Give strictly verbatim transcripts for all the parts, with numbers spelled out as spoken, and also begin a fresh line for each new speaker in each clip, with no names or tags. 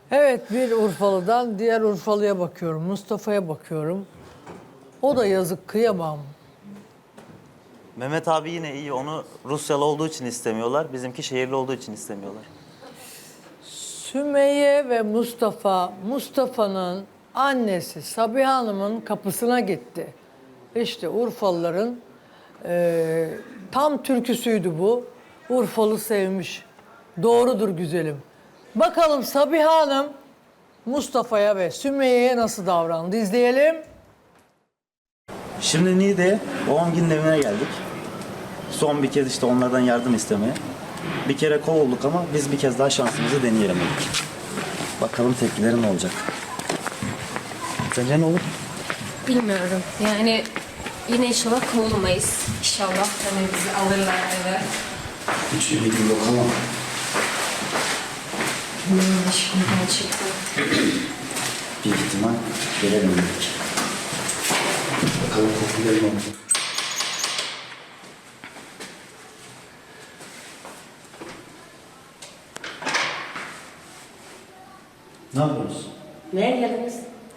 Evet, bir Urfalı'dan diğer Urfalı'ya bakıyorum. Mustafa'ya bakıyorum. O da yazık, kıyamam.
Mehmet abi yine iyi. Onu Rusyalı olduğu için istemiyorlar. Bizimki şehirli olduğu için istemiyorlar.
Sümeyye ve Mustafa, Mustafa'nın annesi Sabiha Hanım'ın kapısına gitti. İşte Urfalıların e, tam türküsüydü bu. Urfalı sevmiş. Doğrudur güzelim. Bakalım Sabiha Hanım Mustafa'ya ve Sümeyye'ye nasıl davrandı? İzleyelim.
Şimdi Niğde'ye babam günün evine geldik. Son bir kez işte onlardan yardım istemeye. Bir kere kovulduk ama biz bir kez daha şansımızı deneyelim dedik. Bakalım tepkileri ne olacak? Sence ne olur?
Bilmiyorum. Yani yine inşallah kovulmayız. İnşallah hani bizi alırlar eve.
Hiç ümidim yok ama.
Hmm, şimdiden çıktı.
Bir ihtimal gelelim dedik. Bakalım tepkileri ne olacak? Ne yapıyoruz?
Neye geldiniz?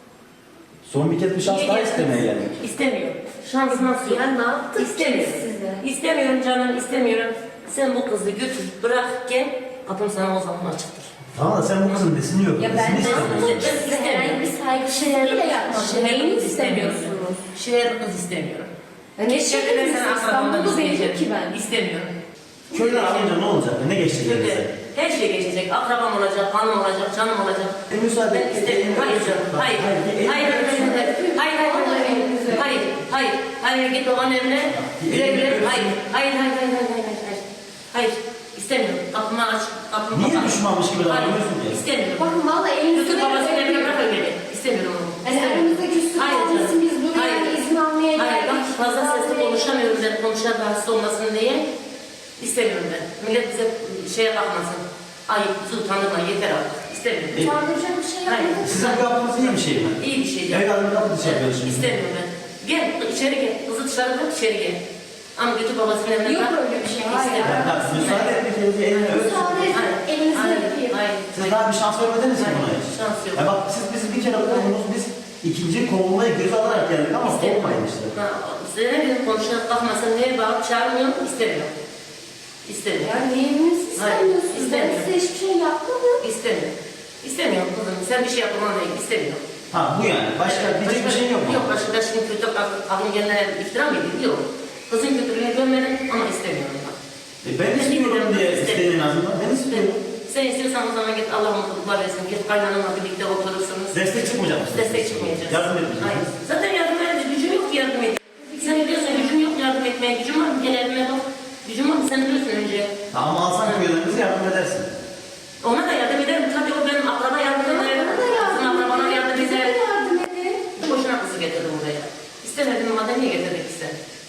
Son bir kez bir şans daha istemeye geldik.
İstemiyorum. Şans nasıl ya? Ne yaptık İstemiyorum. Size? İstemiyorum canım, istemiyorum. Sen bu kızı götür, bırak, gel. Kapım sana o zaman açıktır.
Tamam da sen bu kızın nesini yok.
Ya ben de size herhangi bir saygı şeyiyle yapmadım. Neyini istemiyorsunuz?
Şehirli kız istemiyorum.
Ya ne şekilde İstanbul'da değilim ki ben.
İstemiyorum.
Köyden alınca ne olacak? Ne geçecek
Köyde
elinize?
her şey geçecek. Akrabam olacak, hanım olacak, canım olacak.
E, müsaade
Ben istemiyorum. Hayır canım. Hayır. Hayır. Hayır. Hayır. Hayır. Hayır. Hayır. Hayır. Hayır. Git babanın evine. Güle güle. Hayır. Hayır. Hayır. Hayır. Hayır. Hayır. Hayır. Hayır. İstemiyorum. Kapımı aç. Kapımı
Niye
kapat.
düşmanmış gibi davranıyorsun ki?
İstemiyorum.
Bakın valla elinizde
Götür babasının evine bırak beni. İstemiyorum onu.
Yani aramızda küslük
Hayır
olmasın,
canım.
biz buraya
Hayır.
izin almaya
Hayır.
geldik.
Bak fazla sesli konuşamıyorum ben. Konuşan rahatsız olmasın diye. İstemiyorum ben. Millet bize şeye bakmasın. Ayıp, bizi utandırma. Yeter artık. İstemiyorum.
Utandıracak bir şey
Hayır.
yapmadık.
Sizin bu yaptığınız iyi bir şey mi?
İyi bir şey değil.
Evet adamın kapı dışı yapıyorsunuz.
İstemiyorum ben. Gel içeri gel. Kızı dışarı bırak içeri gel. Ama götür babasının evine
Yok
bırak.
öyle bir şey. Hayır.
İstemiyorum.
Bak müsaade et bir kez elini öp.
Müsaade edin.
Hayır.
Elinizi
Hayır.
öpeyim.
Hayır.
Siz daha bir şans vermediniz mi
Hayır,
buna hiç?
şans yok.
Ya bak siz bizi bir kere kovdunuz, biz ikinci kovulmayı göz alarak geldik ama kovulmayın işte.
Ha, size ne dedim konuşarak bakmasın. Neye bağırıp çağırmıyorum. İstemiyorum. İstemiyorum.
Ya neyiniz istemiyorsunuz? Ben
istemiyorum.
size hiçbir şey yapmadım.
İstemiyorum. İstemiyorum kızım. Sen bir şey yapman değil. İstemiyorum.
Ha bu yani. Başka diyecek bir şey yok mu?
Yok başka şimdi kötü aklım gelenlere iftira mı edeyim? Yok. Kızın kötülüğüne dönmedim ama istemiyorum ben.
E ben istiyorum diye isteyin en azından. Ben istiyorum.
Sen istiyorsan o zaman git Allah mutluluklar versin. Git kaynananla birlikte oturursunuz.
Destek çıkmayacak mısınız?
Destek çıkmayacağız.
Yardım etmeyeceğiz.
Hayır. Zaten yardım edeceğiz. Gücüm yok ki yardım edeyim. Sen diyorsun gücüm yok yardım etmeye. Gücüm var mı? Gel evime bak. Gücüm var mı? Sen biliyorsun önce.
Tamam alsan köylerimizi yardım edersin.
Ona da yardım ederim. Tabii o benim akraba yardım eder.
Bana da yardım
Kızın akrabana
edin.
yardım
Bize
eder.
de yardım edin.
Boşuna kızı getirdim buraya. İstemedim madem niye getirdik işte?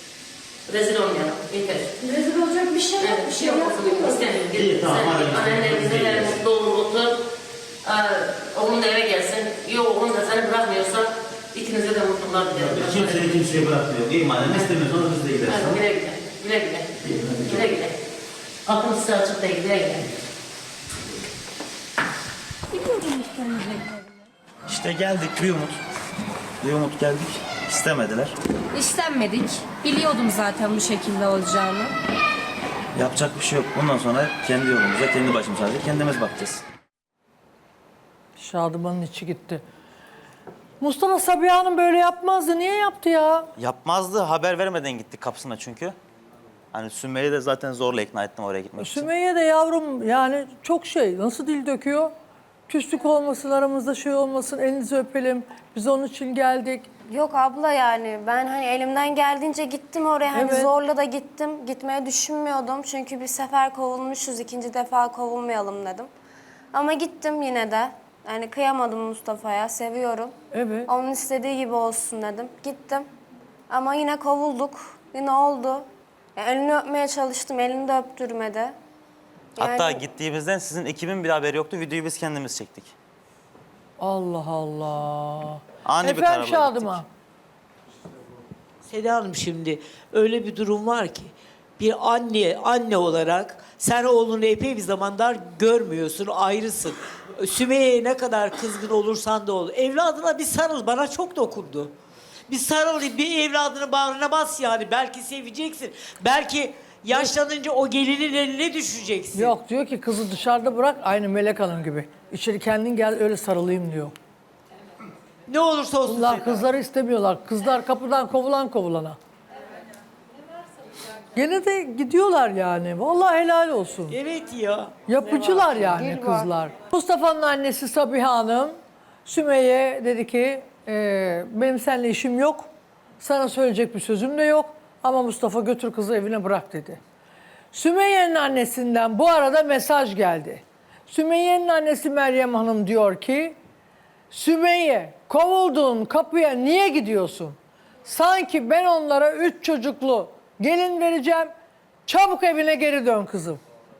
Rezil olmayalım. Yeter.
Rezil olacak bir şey yok.
Evet,
Bir şey
yok
yapmıyorum.
olsun. İstemiyorum.
İyi,
Git,
tamam,
sen
hadi.
git. Annenle bizimle mutlu olur, otur. Ee, oğlum da eve gelsin. Yok oğlum da seni bırakmıyorsa ikinize de mutluluklar dilerim.
Kimseyi kimseye bırakmıyor. İyi madem istemiyorsanız biz de gideriz.
Hadi
Tamam.
güle güle. Güle güle.
İyi, hadi.
Güle güle. Kapım size açık değil. Güle güle.
İşte geldik bir umut. Bir umut geldik. İstemediler.
İstenmedik. Biliyordum zaten bu şekilde olacağını.
Yapacak bir şey yok. Bundan sonra kendi yolumuza, kendi başımıza sadece kendimiz bakacağız.
Şadıman'ın içi gitti. Mustafa Sabiha Hanım böyle yapmazdı. Niye yaptı ya?
Yapmazdı. Haber vermeden gittik kapısına çünkü. Hani Sümeyye'yi de zaten zorla ikna ettim oraya gitmek için.
Sümeyye de yavrum yani çok şey. Nasıl dil döküyor? Küslük olmasın, aramızda şey olmasın, elinizi öpelim. Biz onun için geldik.
Yok abla yani ben hani elimden geldiğince gittim oraya hani
Evet.
zorla da gittim. Gitmeye düşünmüyordum çünkü bir sefer kovulmuşuz ikinci defa kovulmayalım dedim. Ama gittim yine de. Yani kıyamadım Mustafa'ya seviyorum.
Evet.
Onun istediği gibi olsun dedim. Gittim ama yine kovulduk. Yine oldu. Yani elini öpmeye çalıştım elini de öptürmedi.
Hatta
Yani-
gittiğimizden sizin ekibin bir haberi yoktu. Videoyu biz kendimiz çektik.
Allah Allah.
Ani bir
Efendim
kararla
Şadıman.
gittik.
Seda Hanım şimdi öyle bir durum var ki bir anne anne olarak sen oğlunu epey bir zamanlar görmüyorsun, ayrısın. Sümeyye'ye ne kadar kızgın olursan da ol. Evladına bir sarıl, bana çok dokundu. Bir sarıl, bir evladını bağrına bas yani. Belki seveceksin. Belki yaşlanınca o gelinin eline düşeceksin.
Yok, diyor ki kızı dışarıda bırak, aynı Melek Hanım gibi. İçeri kendin gel, öyle sarılayım diyor.
Ne olursa olsun.
Bunlar kızları istemiyorlar. Kızlar kapıdan kovulan kovulana. Gene de gidiyorlar yani. Vallahi helal olsun.
Evet ya.
Yapıcılar yani kızlar. Mustafa'nın annesi Sabiha Hanım, Sümeyye dedi ki "Ee, benim seninle işim yok. Sana söyleyecek bir sözüm de yok. Ama Mustafa götür kızı evine bırak dedi. Sümeyye'nin annesinden bu arada mesaj geldi. Sümeyye'nin annesi Meryem Hanım diyor ki Sümeyye, kovulduğun kapıya niye gidiyorsun? Sanki ben onlara üç çocuklu gelin vereceğim. Çabuk evine geri dön kızım.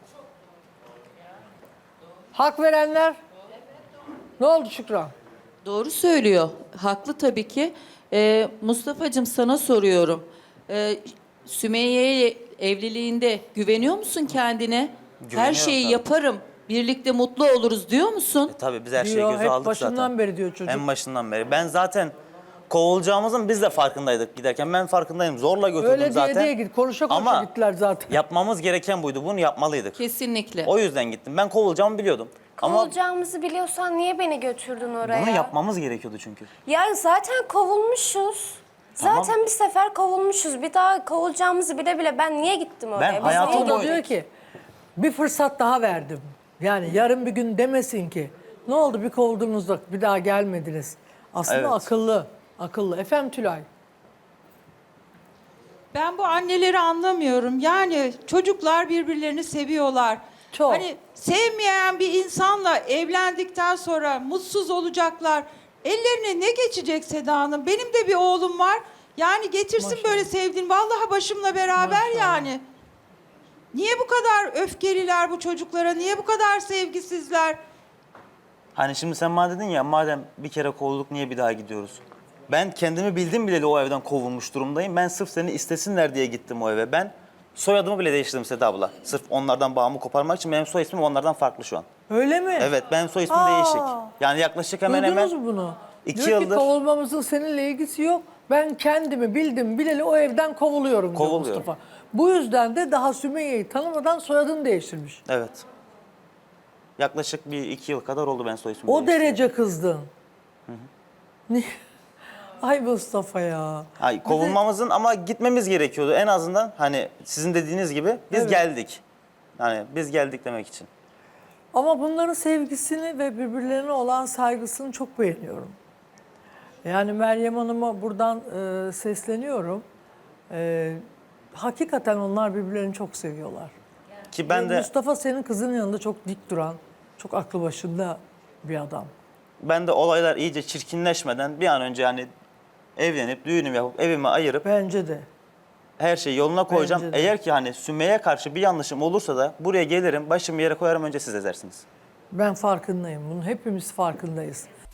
Hak verenler? Ne oldu Şükran?
Doğru söylüyor. Haklı tabii ki. Ee, Mustafa'cığım sana soruyorum. Ee, Sümeyye'ye evliliğinde güveniyor musun kendine? Her
Güveniyorum
şeyi
tabii.
yaparım. Birlikte mutlu oluruz diyor musun?
E, tabii biz her şeyi
Diyor,
göze
hep
aldık
başından
zaten.
beri diyor çocuk.
En başından beri. Ben zaten kovulacağımızın biz de farkındaydık giderken. Ben farkındayım. Zorla götürdüm
Öyle diye
zaten.
diye git. Konuşa konuşa
Ama
gittiler zaten.
yapmamız gereken buydu. Bunu yapmalıydık.
Kesinlikle.
O yüzden gittim. Ben kovulacağımı biliyordum. Ama
Kovulacağımızı biliyorsan niye beni götürdün oraya?
bunu yapmamız gerekiyordu çünkü.
Ya zaten kovulmuşuz.
Tamam.
Zaten bir sefer kovulmuşuz. Bir daha kovulacağımızı bile bile ben niye gittim oraya?
Ben
Biz
hayatım
niye
O da
boyu-
diyor ki bir fırsat daha verdim. Yani yarın bir gün demesin ki ne oldu bir kovulduğunuzda bir daha gelmediniz. Aslında
Evet.
akıllı. Akıllı. Efendim Tülay.
Ben bu anneleri anlamıyorum. Yani çocuklar birbirlerini seviyorlar.
Çok.
Hani sevmeyen bir insanla evlendikten sonra mutsuz olacaklar. Ellerine ne geçecek Seda Hanım? Benim de bir oğlum var. Yani getirsin böyle sevdiğin. Vallahi başımla beraber yani. Niye bu kadar öfkeliler bu çocuklara? Niye bu kadar sevgisizler?
Hani şimdi sen bana dedin ya madem bir kere kovulduk niye bir daha gidiyoruz? Ben kendimi bildim bileli o evden kovulmuş durumdayım. Ben sırf seni istesinler diye gittim o eve. Ben soyadımı bile değiştirdim Seda abla. Sırf onlardan bağımı koparmak için benim soy ismim onlardan farklı şu an.
Öyle mi?
Evet benim soy ismim
Aa.
değişik. Yani yaklaşık hemen
Duydunuz
hemen
mu bunu?
iki
diyor
yıldır-
ki kovulmamızın seninle ilgisi yok. Ben kendimi bildim bileli o evden kovuluyorum diyor
Kovuluyorum.
Mustafa. Bu yüzden de daha Sümeyye'yi tanımadan soyadını değiştirmiş.
evet. Yaklaşık bir iki yıl kadar oldu ben soy ismimi
O
değiştirdim.
derece kızdın. Niye? Ay Mustafa ya.
Ay, kovulmamızın ama gitmemiz gerekiyordu en azından hani sizin dediğiniz gibi biz
Evet.
geldik. Yani biz geldik demek için.
Ama bunların sevgisini ve birbirlerine olan saygısını çok beğeniyorum. Yani Meryem Hanım'a buradan e, sesleniyorum. E, hakikaten onlar birbirlerini çok seviyorlar.
Ki ben
Ve
de
Mustafa senin kızının yanında çok dik duran, çok aklı başında bir adam.
ben de olaylar iyice çirkinleşmeden bir an önce yani evlenip düğünümü yapıp evimi ayırıp
Bence de.
her şeyi yoluna koyacağım.
Bence de.
Eğer ki hani Sümeyye karşı bir yanlışım olursa da buraya gelirim başımı yere koyarım önce siz ezersiniz.
Ben farkındayım. Bunun hepimiz farkındayız.